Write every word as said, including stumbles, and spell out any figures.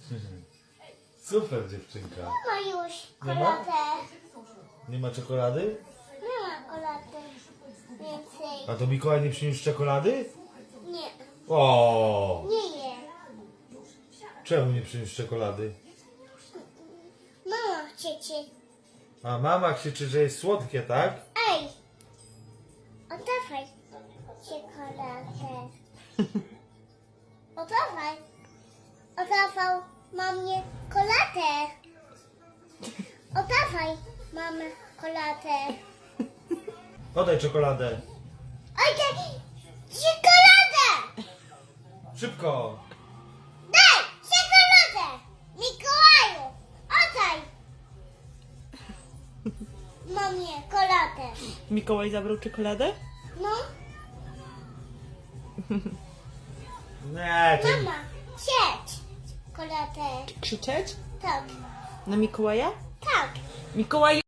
Super dziewczynka. Nie ma już Nie ma? koladę. Nie ma czekolady? Nie ma kolady więcej. A to Mikołaj nie przyniósł czekolady? Nie, O, nie je. czemu nie przyniósł czekolady? Mama chcecie. A mama krzyczy, że jest słodkie, tak? Ej, oddawaj czekoladę. Oddawaj. Oddawał mamie koladę. Oddawaj mamę koladę. Podaj czekoladę. Oddaj czekoladę. Szybko. Daj czekoladę. Mikołaju, oddaj mamie koladę. Mikołaj zabrał czekoladę? No, Nie, to... mama, siedź koladę. Krzyczeć? Tak, Na Mikołaja? tak. Mikołaj